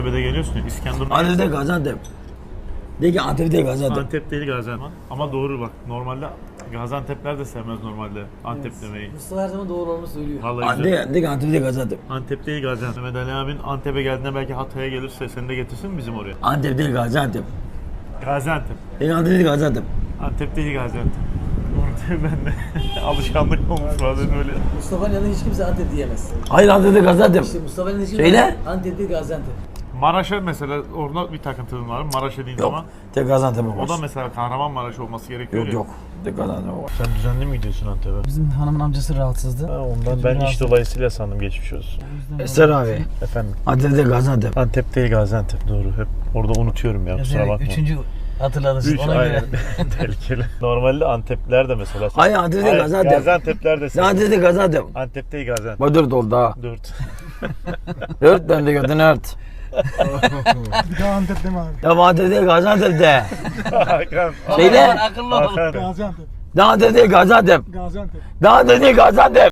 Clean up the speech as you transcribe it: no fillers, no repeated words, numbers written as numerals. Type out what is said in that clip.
Antep'e geliyorsun ya, İskenderun'a. Antep'te Gaziantep. De ki Antep'te Gaziantep. Antep değil Gaziantep. Ama doğru bak. Normalde Gaziantep'ler de sevmez normalde Antep demeyi. Mustafa her zaman doğru olmasını söylüyor. Vallahi güzel. De ki Antep'te Gaziantep. Antep değil Gaziantep. Mehmet Ali abin Antep'e geldiğinde belki Hatay'a gelirse seni de getirsin mi bizim oraya? Antep değil Gaziantep. Gaziantep. De ki Antep değil Gaziantep. Antep değil Gaziantep. Orada ben de alışkanlık olmuş bazen öyle. Mustafa'nın yanında hiç kimse Antep diyemez. Hayır Antep'te Gaziantep. İşte Mustafa'nın yanında hiç kimse Söyle. Antep değil Gaziantep. Maraş'a mesela orada bir takıntın var. Maraş dediğin Yok. zaman Tek Gaziantep o olmaz. da mesela Kahramanmaraş olması gerekiyor. Yok yok. Tek Gaziantep olmaz. Sen düzenli mi gidiyorsun Antep'e? Bizim hanımın amcası rahatsızdı. Ondan ben iş dolayısıyla sandım, geçmiş olsun. Eser abi. Efendim? Antep'te Gaziantep. Antep değil Gaziantep, doğru. Hep orada unutuyorum ya, kusura bakma. Üçüncü hatırladın ona aynen. göre. Tehlikeli. Normalde Antepler de mesela. Hayır Antep'te değil Gaziantep. Gaziantep'ler de sen. Antep'te Gaziantep. Antep değil Gaziantep. Bak 4 oldu daha. 4. 4 döndü götün 4. Bir daha Antep deme abi. Ya Antep değil Gaziantep'te. Hakan. Söyle. Akıllı ol. Hakan. Gaziantep. Antep değil Gaziantep. Gaziantep. Antep değil Gaziantep.